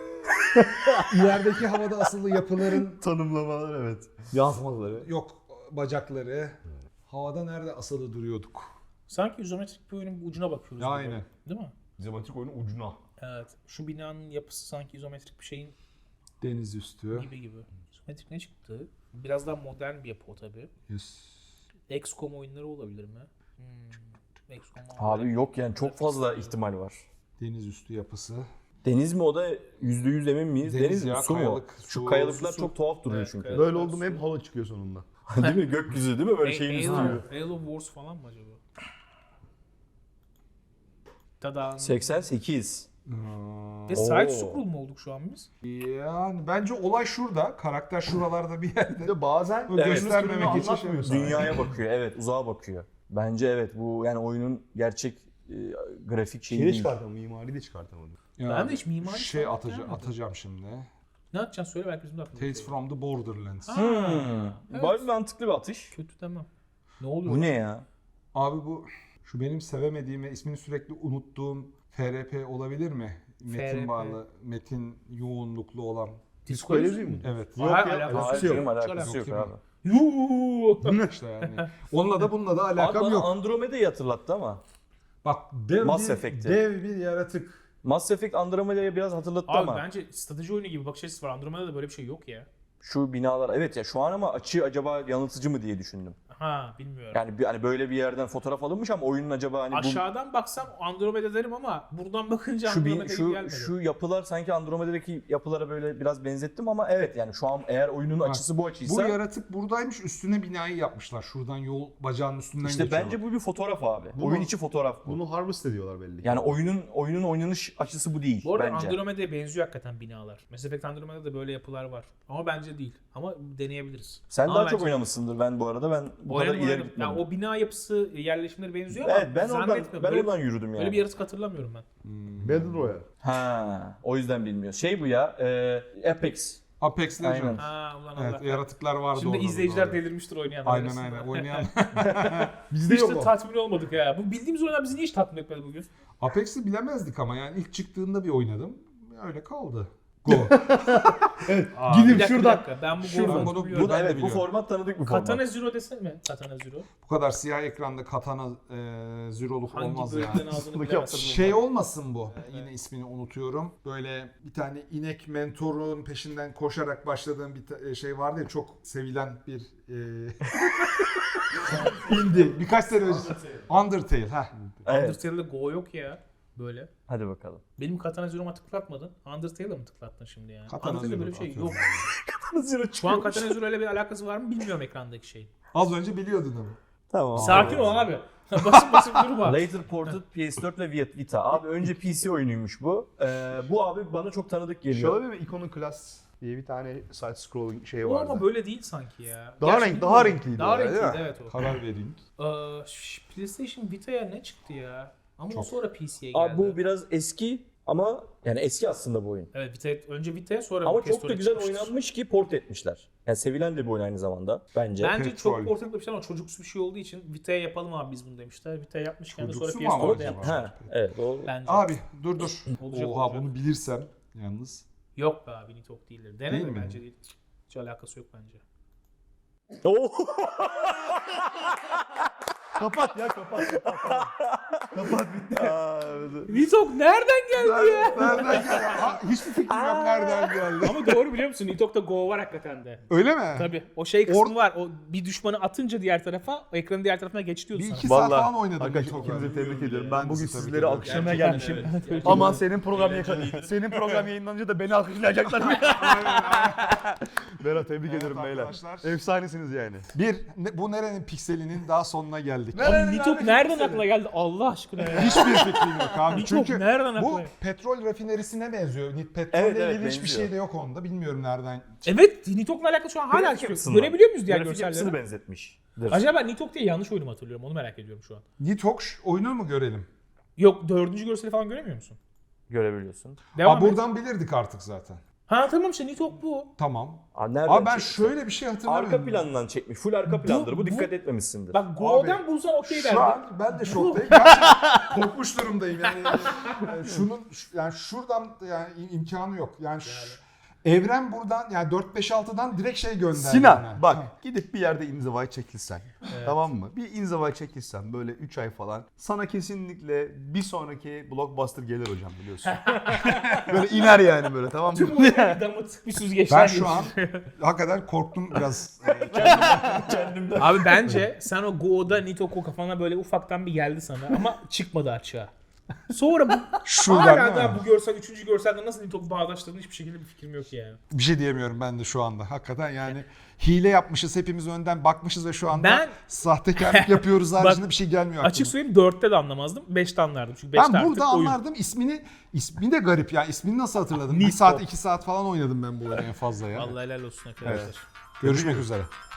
Speaker 1: İlerideki havada asılı yapıların
Speaker 3: Tanımlamalar evet. Yansımaları.
Speaker 1: yok bacakları. Havada nerede asılı duruyorduk?
Speaker 2: Sanki izometrik bir oyunun ucuna bakıyoruz. gibi.
Speaker 1: Aynen.
Speaker 2: Değil mi?
Speaker 3: Zematrik oyunun ucuna.
Speaker 2: Evet. Şu binanın yapısı sanki izometrik bir şeyin
Speaker 1: Deniz üstü.
Speaker 2: gibi. İzometrik ne çıktı? Biraz daha modern bir yapı o tabii.
Speaker 1: Yes.
Speaker 2: XCOM oyunları olabilir mi? XCOM
Speaker 4: Abi yok yani çok fazla ihtimal var.
Speaker 1: Deniz üstü yapısı.
Speaker 4: Deniz mi o da %100 emin miyiz?
Speaker 1: Deniz
Speaker 4: Deniz mi?
Speaker 1: ya,
Speaker 4: Su mu?
Speaker 1: kayalık,
Speaker 4: Şu
Speaker 1: su,
Speaker 4: kayalıklar
Speaker 2: su.
Speaker 4: çok tuhaf duruyor
Speaker 2: Evet,
Speaker 4: çünkü.
Speaker 2: kayalık.
Speaker 3: Böyle oldu mu hep hava çıkıyor sonunda.
Speaker 4: Değil mi? Gökyüzü değil mi? Böyle şeyin üstü.
Speaker 2: Halo Wars falan mı acaba? Tada.
Speaker 4: 88.
Speaker 2: Ve side scroll mu olduk şu an biz?
Speaker 1: Yani bence olay şurada. Karakter şuralarda bir yerde.
Speaker 3: Bir de bazen
Speaker 1: Evet.
Speaker 3: göstermemek için
Speaker 1: Anlatmıyor sana.
Speaker 4: Dünyaya bakıyor. Evet, uzağa bakıyor. Bence evet bu yani oyunun gerçek grafik şeyi
Speaker 3: şeyi de
Speaker 4: değil.
Speaker 3: çıkartamadım, mimari de çıkartamadım.
Speaker 1: Ya,
Speaker 2: Ben de hiç mimari
Speaker 1: şey
Speaker 2: falan
Speaker 1: atacağım,
Speaker 2: gelmedi.
Speaker 1: atacağım şimdi.
Speaker 2: Ne yapacaksın söyle belki bizim de aklımıza
Speaker 1: Tales
Speaker 2: şey.
Speaker 1: from the Borderlands.
Speaker 2: Ha,
Speaker 4: Hmm.
Speaker 2: evet.
Speaker 4: Bayağı mantıklı bir atış.
Speaker 2: Kötü demem. Ne oluyor?
Speaker 4: Bu ne ya?
Speaker 1: Abi bu şu benim sevemediğim ve ismini sürekli unuttuğum FRP olabilir mi? Metin
Speaker 2: FRP.
Speaker 1: bağlı, metin yoğunluklu olan.
Speaker 2: Disco
Speaker 3: Elysium
Speaker 2: Elysium
Speaker 3: mu?
Speaker 1: Evet.
Speaker 3: Yok
Speaker 2: Hayır,
Speaker 3: ya,
Speaker 2: alakası
Speaker 3: alakası
Speaker 2: yok.
Speaker 3: yok.
Speaker 4: Alakası
Speaker 1: Yok,
Speaker 4: yok
Speaker 1: yok
Speaker 4: abi.
Speaker 2: Yuuu.
Speaker 1: İşte yani. Onunla da bununla da
Speaker 4: Abi
Speaker 1: alakam
Speaker 4: bana
Speaker 1: yok.
Speaker 4: Andromeda'yı hatırlattı ama.
Speaker 1: Bak dev
Speaker 4: Mass
Speaker 1: bir,
Speaker 4: Effect'i.
Speaker 1: dev bir yaratık.
Speaker 4: Mass Effect Andromeda'yı biraz hatırlattı
Speaker 2: Abi
Speaker 4: ama.
Speaker 2: bence strateji oyunu gibi bakış açısı var. Andromeda'da böyle bir şey yok ya.
Speaker 4: Şu binalar evet ya şu an ama açı acaba yanıltıcı mı diye düşündüm.
Speaker 2: Ha bilmiyorum.
Speaker 4: Yani hani böyle bir yerden fotoğraf alınmış ama oyunun acaba hani
Speaker 2: Aşağıdan baksam Andromeda derim ama buradan bakınca
Speaker 4: şu
Speaker 2: Andromeda gibi
Speaker 4: şu
Speaker 2: gelmedi.
Speaker 4: şu yapılar sanki Andromeda'daki yapılara böyle biraz benzettim ama evet yani şu an eğer oyunun açısı bu
Speaker 1: Bu
Speaker 4: açıysa
Speaker 1: yaratık buradaymış, üstüne binayı yapmışlar. Şuradan yol bacağının üstünden
Speaker 4: işte
Speaker 1: geçiyor.
Speaker 4: bence bu bir fotoğraf abi.
Speaker 3: Bunu-
Speaker 4: Oyun içi fotoğraf bu.
Speaker 3: Bunu harvest ediyorlar belli ki.
Speaker 4: Yani oyunun oynanış açısı bu değil
Speaker 2: Bu arada
Speaker 4: bence.
Speaker 2: Andromeda'ya benziyor hakikaten binalar. Mass Effect Andromeda'da böyle yapılar var. Ama bence değil. Ama deneyebiliriz.
Speaker 4: Sen
Speaker 2: Ama
Speaker 4: daha çok
Speaker 2: bence-
Speaker 4: oynamışsındır ben bu arada. Ben bu kadar ileri
Speaker 2: Oynadım.
Speaker 4: gitmedim.
Speaker 2: Yani o bina yapısı, yerleşimleri benziyor
Speaker 4: Evet
Speaker 2: ama
Speaker 4: ben oradan
Speaker 2: zannetmiyorum.
Speaker 4: ben
Speaker 2: Böyle-
Speaker 4: oradan yürüdüm yani.
Speaker 2: Böyle bir yaratık hatırlamıyorum ben.
Speaker 3: Battle Royale.
Speaker 4: Ha, o yüzden bilmiyor. Şey bu ya, Apex.
Speaker 1: Apex Legends.
Speaker 4: Aynen.
Speaker 2: Ha ulan
Speaker 1: Evet,
Speaker 2: Allah.
Speaker 1: yaratıklar vardı
Speaker 2: Şimdi
Speaker 1: orada.
Speaker 2: izleyiciler
Speaker 1: doğru.
Speaker 2: delirmiştir oynayan.
Speaker 1: Aynen
Speaker 2: arasında.
Speaker 1: aynen. Oynayan.
Speaker 3: Bizde
Speaker 2: Hiç
Speaker 3: yok
Speaker 2: de
Speaker 3: o.
Speaker 2: tatmin olmadık ya. Bu bildiğimiz oyunlar bizi niye hiç tatmin etmedi bugün?
Speaker 1: Apex'i bilemezdik ama yani ilk çıktığında bir oynadım. Öyle kaldı. Go. Abi,
Speaker 3: Gidip
Speaker 2: Bir
Speaker 3: şuradan.
Speaker 2: dakika, ben bu
Speaker 3: Şuradan.
Speaker 2: golü
Speaker 1: Bunu-
Speaker 2: biliyorum.
Speaker 4: Bu da evet bu format tanıdık bir format.
Speaker 2: Katana Zero desene mi? Katana Zero.
Speaker 1: Bu kadar siyah ekranda katana züroluk
Speaker 2: Hangi
Speaker 1: olmaz ya.
Speaker 2: bölümden aldığını bilemezsin.
Speaker 1: Şey olmasın bu. Yine ismini unutuyorum. Böyle bir tane inek mentorun peşinden koşarak başladığım bir şey vardı ya, çok sevilen bir indie. Birkaç sene önce. Undertale. Heh.
Speaker 4: Evet.
Speaker 2: Undertale'de Go yok ya. Böyle.
Speaker 4: Hadi bakalım.
Speaker 2: Benim Katana Zero'ma tıklatmadın. Undertale'da mı tıklattın şimdi yani?
Speaker 1: Katana
Speaker 2: Undertale'de böyle bir
Speaker 1: Zero
Speaker 2: şey yok.
Speaker 1: atıyorum.
Speaker 2: Şu an Katana Zero ile bir alakası var mı bilmiyorum ekrandaki şeyin.
Speaker 1: Az önce biliyordun ama.
Speaker 4: Tamam.
Speaker 2: Sakin ol abi. basıp durma.
Speaker 4: Later Ported PS4 ve Vita. Abi önce PC oyunuymuş bu. Bu abi bana çok tanıdık geliyor.
Speaker 3: Şöyle bir Iconoclast diye bir tane side scrolling şey
Speaker 2: O ama
Speaker 3: vardı.
Speaker 2: böyle değil sanki ya.
Speaker 3: Daha
Speaker 2: Gerçi
Speaker 3: daha
Speaker 2: bilmiyorum.
Speaker 3: renkliydi
Speaker 2: Daha
Speaker 3: o, değil
Speaker 2: renkliydi
Speaker 3: mi?
Speaker 2: evet o.
Speaker 1: Karar verin.
Speaker 2: PlayStation Vita'ya ne çıktı ya? Ama o
Speaker 1: Çok.
Speaker 2: sonra PC'ye geldi.
Speaker 4: Abi bu biraz eski ama yani eski aslında bu oyun.
Speaker 2: Evet önce Vita'ya sonra
Speaker 4: Ama çok da
Speaker 2: PS4'e
Speaker 4: güzel
Speaker 2: çıkmıştır.
Speaker 4: oynanmış ki port etmişler. Yani sevilen de bir oyun aynı zamanda bence.
Speaker 2: Bence
Speaker 1: Petrol.
Speaker 2: çok ortak demişler ama çocuksu bir şey olduğu için Vita'ya yapalım abi biz bunu demişler. Vita'ya yapmışken de sonra
Speaker 1: Çocuksu mu ama
Speaker 2: PS4'de
Speaker 1: acaba?
Speaker 2: yapmışlar.
Speaker 4: Ha, evet doğru.
Speaker 2: Bence.
Speaker 1: Abi dur.
Speaker 2: Olacak,
Speaker 1: Oha
Speaker 2: olacak.
Speaker 1: bunu bilirsem yalnız.
Speaker 2: Yok be abi Nitok değildir.
Speaker 1: Değil
Speaker 2: Denedim
Speaker 1: mi?
Speaker 2: bence değil. Hiç alakası yok bence.
Speaker 4: Oo!
Speaker 3: Kapat ya kapat. Kapat bitti.
Speaker 2: Nitok nereden geldi ya?
Speaker 1: Nereden geldi? Hiçbir fikrim yok nereden geldi.
Speaker 2: Ama doğru biliyor musun? Nitok'ta Go var hakikaten de.
Speaker 1: Öyle mi?
Speaker 2: Tabii. O şey kısmı var. O bir düşmanı atınca diğer tarafa, o ekranın diğer tarafına geç diyordu
Speaker 1: Bir
Speaker 2: sana.
Speaker 1: iki saat
Speaker 3: Vallahi
Speaker 1: falan oynadım.
Speaker 3: arkadaşlar
Speaker 1: Nitok'la.
Speaker 3: ikinizi tebrik ediyorum. Ben
Speaker 1: Ben
Speaker 3: bugün
Speaker 1: sizi tebrik
Speaker 3: sizleri
Speaker 1: ediyorum.
Speaker 3: alkışlamaya
Speaker 2: Gerçekten
Speaker 3: gelmişim.
Speaker 2: evet.
Speaker 3: Aman senin program yayınlanınca da beni alkışlayacaklar mı? Berat tebrik
Speaker 1: Evet
Speaker 3: ederim beyler.
Speaker 1: arkadaşlar.
Speaker 3: Efsanesiniz yani.
Speaker 1: Bu nerenin pikselinin daha sonuna geldik.
Speaker 2: Abi Nitok nereden aklına geldi Allah aşkına ya?
Speaker 1: Hiçbir fikrim yok abi.
Speaker 2: Nitok
Speaker 1: Çünkü
Speaker 2: nereden
Speaker 1: bu
Speaker 2: aklına?
Speaker 1: petrol rafinerisine benziyor. Petrolle
Speaker 4: Evet,
Speaker 1: ilgili hiçbir
Speaker 4: benziyor.
Speaker 1: şey de yok onda. Bilmiyorum nereden.
Speaker 2: Evet Nitok'la alakalı şu an hala
Speaker 4: Grafik
Speaker 2: çıkıyor.
Speaker 4: yapısından.
Speaker 2: Görebiliyor muyuz diğer
Speaker 4: Grafik yapısını
Speaker 2: görselleri?
Speaker 4: benzetmiştir.
Speaker 2: Acaba Nitok diye yanlış oyunu mu hatırlıyorum onu merak ediyorum şu an.
Speaker 1: Nitok oyunu mu görelim?
Speaker 2: Yok dördüncü görseli falan göremiyor musun?
Speaker 4: Görebiliyorsun.
Speaker 2: Devam et.
Speaker 1: Buradan bilirdik artık zaten.
Speaker 2: Ha tamam işte Nitok bu.
Speaker 1: Tamam.
Speaker 4: Nereden
Speaker 1: Abi ben
Speaker 4: çekmiş?
Speaker 1: şöyle bir şey hatırlamıyorum.
Speaker 4: Arka plandan çekmiş. Full arka plandır. Bu
Speaker 2: bu-
Speaker 4: dikkat etmemişsindir.
Speaker 2: Bak Go'dan bulsan okey
Speaker 1: Şu
Speaker 2: derdim.
Speaker 1: an ben de şoktayım. Gerçekten korkmuş durumdayım yani. Yani şuradan yani imkanı yok. Yani evren buradan yani 4-5-6'dan direkt şey gönderdi.
Speaker 3: Sinan
Speaker 1: bana.
Speaker 3: bak
Speaker 1: Ha.
Speaker 3: gidip bir yerde inzivaya çekilsen. Tamam mı? Bir inzivaya çekilsen böyle 3 ay falan. Sana kesinlikle bir sonraki blockbuster gelir hocam biliyorsun. böyle iner yani böyle tamam mı?
Speaker 2: Tüm oyunu bir damıtık bir süzgeçten
Speaker 1: Ben şu an hakikaten korktum biraz.
Speaker 2: Abi bence sen o Go'da Nitok'u kafana böyle ufaktan bir geldi sana ama çıkmadı açığa. Sonra bu
Speaker 1: Şuradan
Speaker 2: hala
Speaker 1: değil mi?
Speaker 2: daha bu görsel, üçüncü görselde nasıl Nitok'u bağdaştırdığını hiçbir şekilde bir fikrim yok yani.
Speaker 1: Bir şey diyemiyorum ben de şu anda. Hakikaten yani hile yapmışız hepimiz önden bakmışız ve şu anda
Speaker 2: Ben-
Speaker 1: sahtekarlık yapıyoruz haricinde bir şey gelmiyor aklıma.
Speaker 2: Açık söyleyeyim 4'te de anlamazdım, 5'te anlardım. Çünkü 5'te
Speaker 1: Ben
Speaker 2: artık
Speaker 1: burada
Speaker 2: oyun.
Speaker 1: anlardım ismi de garip ya. İsmini nasıl hatırladım? 1
Speaker 2: Nitok.
Speaker 1: saat 2 saat falan oynadım ben bu oyunu en fazla ya.
Speaker 2: Vallahi helal olsun arkadaşlar.
Speaker 1: Görüşmek üzere.